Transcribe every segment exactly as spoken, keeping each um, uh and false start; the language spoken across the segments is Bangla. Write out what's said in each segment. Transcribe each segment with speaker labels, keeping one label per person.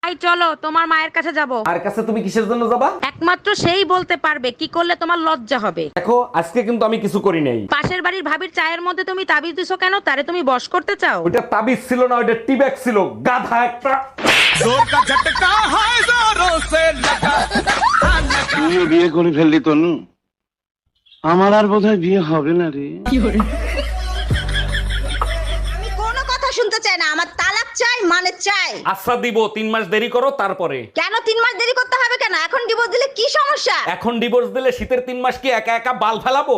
Speaker 1: এই চলো তোমার মায়ের কাছে যাব।
Speaker 2: আর কাছে তুমি কিসের জন্য যাবা?
Speaker 1: একমাত্র সেই বলতে পারবে কি করলে তোমার লজ্জা হবে।
Speaker 2: দেখো আজকে কিন্তু আমি কিছু করি নাই।
Speaker 1: পাশের বাড়ির ভাবির চায়ের মধ্যে তুমি তাবিজ দিছো কেন? তারে তুমি বশ করতে চাও?
Speaker 2: ওইটা তাবিজ ছিল না, ওইটা টিব্যাগ ছিল, গাধা একটা।
Speaker 3: তুইও বিয়ে করে ফেললি তনু, আমার আর বোধহয় বিয়ে হবে না রে।
Speaker 4: আমি কোনো কথা শুনতে চাই না, আমার তালাক চাই, মানে চাই।
Speaker 2: আচ্ছা দিব, তিন মাস দেরি করো তারপরে।
Speaker 4: কেন তিন মাস দেরি করতে হবে কেন? এখন ডিভোর্স দিলে কি সমস্যা?
Speaker 2: এখন ডিভোর্স দিলে শীতের তিন মাস কি একা একা বাল ফেলাবো?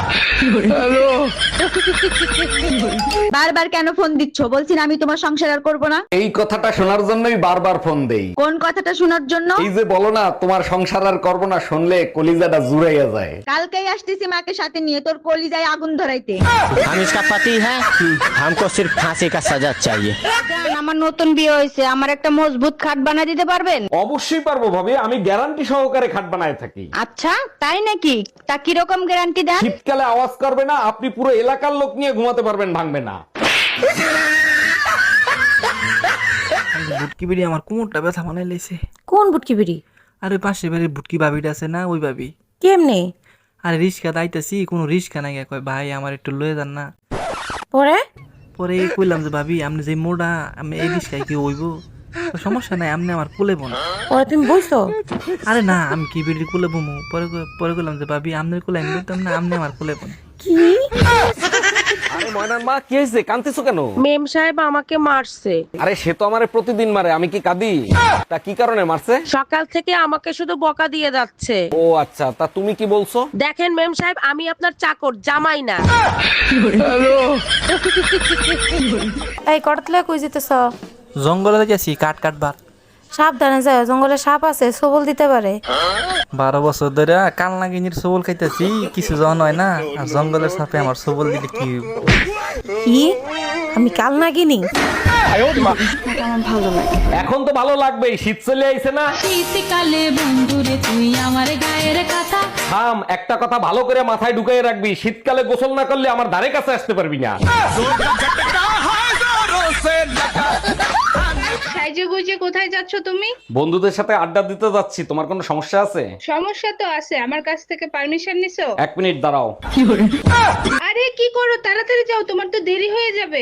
Speaker 4: বারবার কেন ফোন দিচ্ছ? বলছি না আমি তোমার সংসার আর করবো না।
Speaker 2: এই কথাটা শোনার জন্যই বারবার ফোন দেই।
Speaker 4: কোন কথাটা শোনার জন্য?
Speaker 2: এই যে বলো না তোমার সংসার আর করবো না, শুনলে কলিজাটা জুড়াইয়া যায়।
Speaker 4: কালকেই আসতেছি মাকে সাথে নিয়ে, তোর কলিজায় আগুন ধরাইতে।
Speaker 5: हम इसका पति है, हमको सिर्फ फांसी का सजा चाहिए।
Speaker 4: আমার নতুন বিয়ে হয়েছে, আমার একটা মজবুত খাট বানিয়ে দিতে পারবেন?
Speaker 2: অবশ্যই পারবো ভাবি, আমি গ্যারান্টি সহকারে খাট বানায় থাকি।
Speaker 4: আচ্ছা তাই নাকি? তা কিরকম গ্যারান্টি দেন?
Speaker 2: শীতকালে আওয়াজ করবে না, আপনি পুরো এলাকার লোক নিয়ে ঘুমাতে পারবেন, ভাঙবে না।
Speaker 6: বুটকি বিড়ি আমার কোমরটা ব্যথা বানাই লাইছে।
Speaker 1: কোন বুটকি বিড়ি?
Speaker 6: আরে পাশে বাড়ির বুটকি ভাবিটা আছে না, ওই ভাবি।
Speaker 1: কেমনে?
Speaker 6: আরে রিস্কা দাইতাছি, কোনো রিস্কা নাই, কয় ভাই আমার একটু লয়ে যান না।
Speaker 1: পরে
Speaker 6: পরে কইলাম যে ভাবি আপনি যে মোড়া, আমি এই রিস্কায় কি হইব? কয়, সমস্যা নাই, আপনি আমার কোলে বোন।
Speaker 1: পরে তুমি বইছো?
Speaker 6: আরে না, আমি কি বিড়ি কোলে বমু? পরে কই- পরে কইলাম যে ভাবি আপনার কোলে আমি বলতাম না, আপনি আমার কোলে বোন।
Speaker 2: আরে ময়নার মা, কি হয়েছে? কাঁদতেছো কেন?
Speaker 1: মেম সাহেব আমাকে মারছে।
Speaker 2: আরে সে তো আমারে প্রতিদিন মারে, আমি কি কাঁদি? তা কি কারণে মারছে?
Speaker 1: সকাল থেকে আমাকে শুধু বকা দিয়ে যাচ্ছে।
Speaker 2: ও আচ্ছা, তা তুমি কি বলছো?
Speaker 1: দেখেন মেম সাহেব, আমি আপনার চাকর, জামাই না।
Speaker 7: এই কটতলা কই যেতেছ?
Speaker 6: জঙ্গলে যাচ্ছি কাঠ কাটবার।
Speaker 7: সাবধানে যাও, জঙ্গলে সাপ আছে, সবল দিতে পারে।
Speaker 6: বারো বছর ধরে কাল নাগিনীর সবল খাইতেছি, কিছু জন হয় না, আর জঙ্গলের সাপে আমার সবল দিলে কি হইব?
Speaker 7: কি? আমি কাল নাগিনি?
Speaker 2: এখন তো ভালো লাগবেই, শীত চলে আইছে না।
Speaker 8: শীতকালে বন্ধুরে তুই আমার গায়ের কথা।
Speaker 2: থাম, একটা কথা ভালো করে মাথায় ঢুকাই রাখবি, শীতকালে গোসল না করলে আমার ধারে কাছে আসতে পারবি না।
Speaker 9: সাইজে গুজে কোথায় যাচ্ছ তুমি?
Speaker 2: বন্ধুদের সাথে আড্ডা দিতে যাচ্ছি, তোমার কোনো সমস্যা আছে?
Speaker 9: সমস্যা তো আছে, আমার কাছ থেকে পারমিশন নিছো?
Speaker 2: এক মিনিট দাঁড়াও।
Speaker 9: আরে কি করো, তাড়াতাড়ি যাও, তোমার তো দেরি হয়ে যাবে।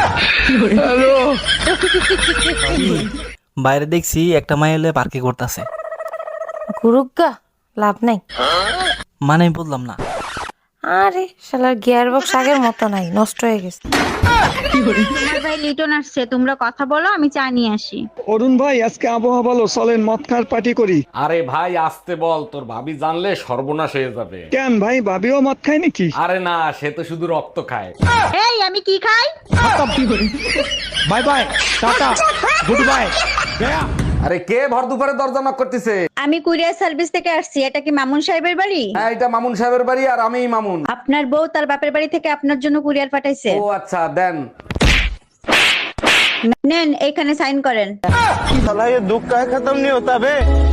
Speaker 6: বাইরে দেখছি একটা মাই হলে পার্কে করতেছে।
Speaker 7: গুরুগা লাভ নাই।
Speaker 6: মানে আমি বললাম না।
Speaker 7: আরে শালার গিয়ার বক্স আগের মতো নাই, নষ্ট হয়ে গেছে।
Speaker 4: তোমার ভাই লিটন আসছে, তোমরা কথা বলো, আমি চা নিয়ে আসি।
Speaker 10: অরুণ ভাই, আজকে আবহাওয়া ভালো, চলেন মদ খাওয়ার পার্টি করি।
Speaker 2: আরে ভাই আসতে বল, তোর ভাবি জানলে সর্বনাশ হয়ে যাবে।
Speaker 10: কেন ভাই, ভাবিও মদ খায় নাকি?
Speaker 2: আরে না, সে তো শুধু রক্ত খায়।
Speaker 4: এই আমি কি খাই?
Speaker 10: Bye bye, tata, good bye.
Speaker 2: আরে কে ভর দুপুরে দরজা নক করতেছে?
Speaker 4: আমি কুরিয়ার সার্ভিস থেকে আসছি। এটা কি মামুন সাহেবের বাড়ি?
Speaker 2: হ্যাঁ, এটা মামুন সাহেবের বাড়ি, আর আমিই মামুন।
Speaker 4: আপনার বউ তার বাপের বাড়ি থেকে আপনার জন্য কুরিয়ার পাঠাইছে।
Speaker 2: ও আচ্ছা, দেন।
Speaker 4: নেন, এখানে সাইন করেন।
Speaker 3: साला ये दुख का खत्म नहीं होता बे।